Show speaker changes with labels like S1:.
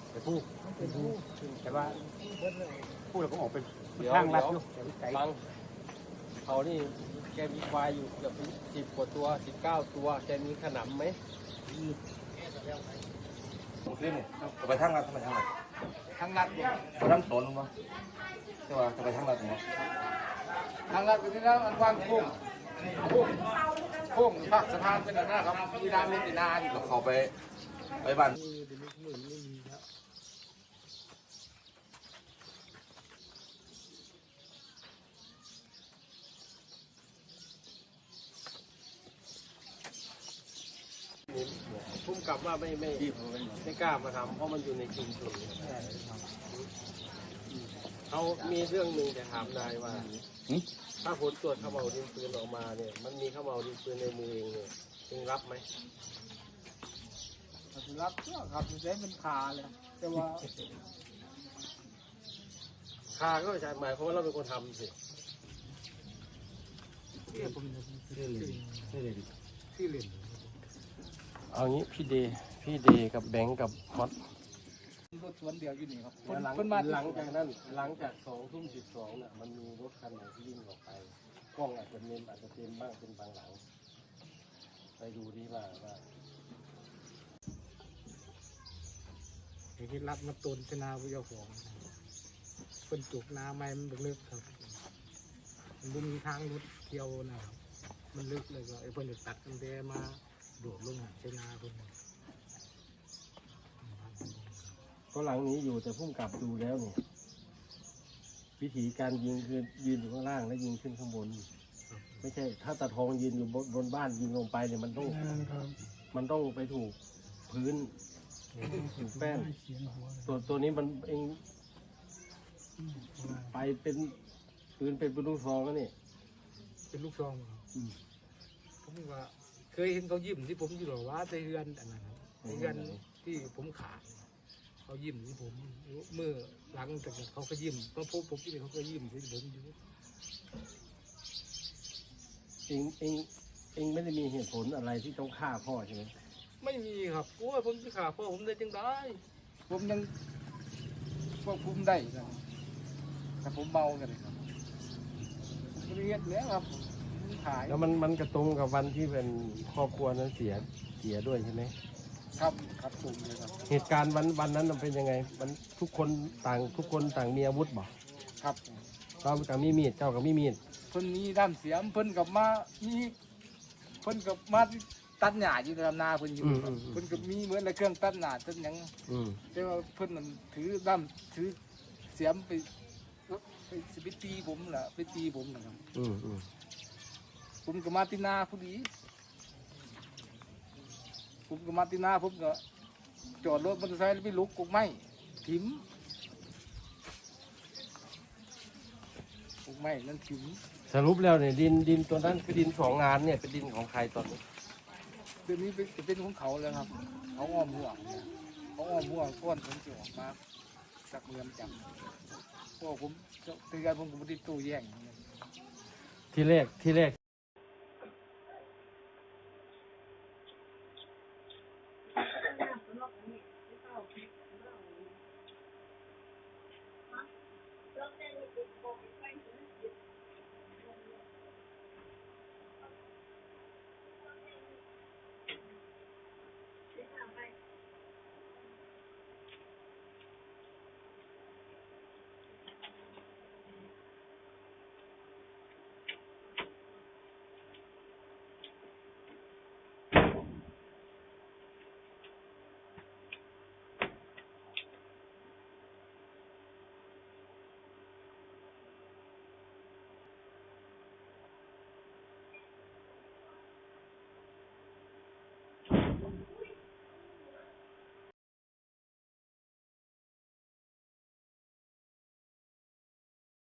S1: แต่ผู้แต่ว่าผู้เราก็ออกเป็น
S2: เดี๋ยว
S1: ทางลัดอยู่ไกล
S2: ฟังเขานี่แกมีควายอยู่เกือบ10 กว่าตัว 19 ตัวแกมีขนำไหม
S3: ผมขึ้นเนี่ยจะไปทางรัดทำไมทางรัด
S1: ทางลัดอยู่
S3: ไปทางสวนมั้งจะว่าจะไปทางรัดมั้ง
S1: ทางลัดอยู่ที่แล้วอันวางโค้งภาคสะพานเป็นอันนั้นครับมีน้ำมีตีนาอยู่
S3: แล้วเขาไปบ้าน
S2: พุ่มกลับว่าไม่กล้ามาทำเพราะมันอยู่ในชุมชนเขามีเรื่องหนึ่งจะถามนายว่าถ้าผลตรวจขม่าวดินปืนออกมาเนี่ยมันมีขม่าวดินปืนในมือเองเนี่ยจึงรับไหม
S1: รับครับใช้เป็นขาเลยแต่ว่า
S2: คาก็ใช่หมายความว่าเราเป็นคนทำสิ
S1: ที่เล่น
S2: เอางี้พี่เดกับแบงก์กับฮอต
S1: รถสวนเดียวอยู่นี่ครับ
S2: หลัง
S1: เพิ่นมา
S2: หลังจากนั้นหลังจาก2 ทุ่ม 12น่ะมันมีรถคันไหนที่วิ่งออกไปกล้องอาจจะเต็มบ้างเป็นบางหลังไปดูดีว่า
S1: ไอ้ที่รับมาตุนชนาวิทยาของเป็นจุกนาไม้มันลึกครับมันมีทางรถเที่ยวนะครับมันลึกเลยก็ไอ้เพิ่นจะตัดกันแดมาโดดลงหาชนาเพิ่น
S2: ก็หลังนี้อยู่แต่พุ่มกลับดูแล้วเนี่ยวิธีการยิงคือยืนอยู่ข้างล่างแล้วยิงขึ้นข้างบน ไม่ใช่ถ้าตาทองยืนอยู่บนบ้านยิงลงไปเนี่ยมันต้องไปถูกพื้นถูกแป้นตัวนี้มันเองไปเป็นปืนเป็นลูกซองแล้วนี่
S1: เป็นลูกซองครับผมว่าเคยเห็นเขายิ้มที่ผมอยู่หรอว่าในเรือนอันนั้นครับในเรือนที่ผมขาดเขายิ้มที่ผมเมื่อหลังจากเขาก็ยิ้มเพราะผมที่นี่เขาก็ยิ้มที่ผมอยู่
S2: เองไม่ได้มีเหตุผลอะไรที่ต้องฆ่าพ่อใช่ไหม
S1: ไม่มีครับโอ้ยผมจะขาพ่อผมได้จังได้ผมยังควบคุมได้นะแต่ผมเมากันเลยครับผมเรียนแล้วครับผมขาย
S2: แล้วมันกระตรงกับวันที่เป็นครอบครัวนั้นเสียด้วยใช่ไหม
S1: ครับครับผมเลยครับ
S2: เหตุการณ์วันนั้นมันเป็นยังไงมันทุกคนต่างมีอาวุธบ่
S1: ครับ
S2: เรากับมีมีดเจ้ากับมีมีด
S1: เพิ่นมีด้านเสียมเพิ่นกับมามีเพิ่นกับมาตัดหญ้าอยู่ในลำนาเพิ่นอยู่ครับเพิ่นกับมีเหมือนในเครื่องตัดหญ้าตัดหยังแต่ว่าเพิ่นนั่นถือด้ามถือเสียมไปสิไปตีผมล่ะไปตีผมนะครับผมกับมาตินาพอดีผมกับมาตินาผมก็จอดรถมอเตอร์ไซค์แล้วไปลุกกกไม้ถิ่มกกไม้นั่นถิ่ม
S2: สรุปแล้วเนี่ยดินตัวนั้นคือดิน2 งานเนี่ยเป็นดินของใครตอนนี้
S1: เดี๋ยวนี้เป็นของเขาแล้วครับเขาอ้อมห่วงเนี่ยเขาอ้อมห่วงก้อนผมจะออกมาจากเรือนจำพวกผมเตือนผมก็ไม่ได้ตู้แย่ง
S2: ที่แรก